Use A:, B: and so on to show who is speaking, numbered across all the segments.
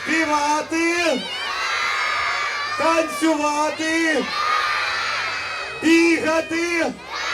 A: співати, танцювати, бігати.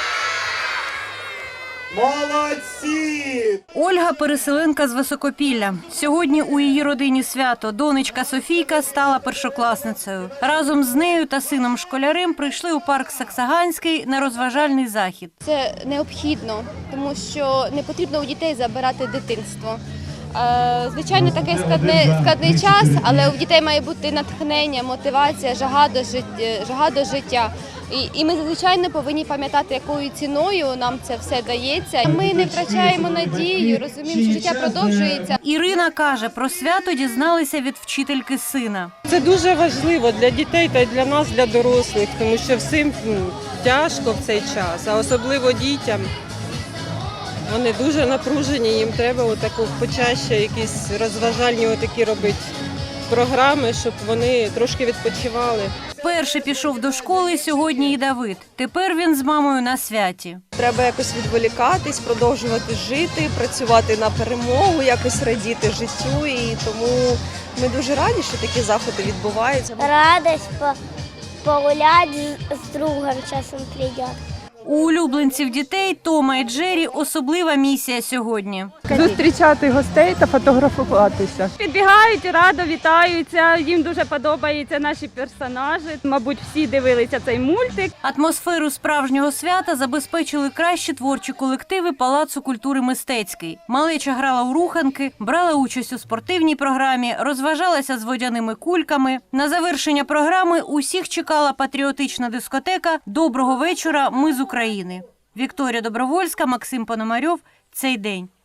A: Молодці!
B: Ольга – переселенка з Високопілля. Сьогодні у її родині свято. Донечка Софійка стала першокласницею. Разом з нею та сином-школярем прийшли у парк Саксаганський на розважальний захід.
C: Це необхідно, тому що не потрібно у дітей забирати дитинство. Звичайно, такий складний час, але у дітей має бути натхнення, мотивація, жага до життя. І ми, звичайно, повинні пам'ятати, якою ціною нам це все дається. Ми не втрачаємо надію, розуміємо, що життя продовжується.
B: Ірина каже, про свято дізналися від вчительки сина.
D: Це дуже важливо для дітей та й для нас, для дорослих, тому що всім тяжко в цей час, а особливо дітям. Вони дуже напружені, їм треба почаще якісь розважальні робити програми, щоб вони трошки відпочивали.
B: Перший пішов до школи сьогодні і Давид. Тепер він з мамою на святі.
E: Треба якось відволікатись, продовжувати жити, працювати на перемогу, якось радіти життю. І тому ми дуже раді, що такі заходи відбуваються.
F: Радость погуляти з другом часом прийде.
B: У улюбленців дітей Тома і Джері особлива місія сьогодні.
D: Зустрічати гостей та фотографуватися.
G: Підбігають, радо вітаються, їм дуже подобаються наші персонажі. Мабуть, всі дивилися цей мультик.
B: Атмосферу справжнього свята забезпечили кращі творчі колективи Палацу культури «Мистецький». Малеча грала у руханки, брала участь у спортивній програмі, розважалася з водяними кульками. На завершення програми усіх чекала патріотична дискотека «Доброго вечора, ми з України». Вікторія Добровольська, Максим Пономарьов. Цей день.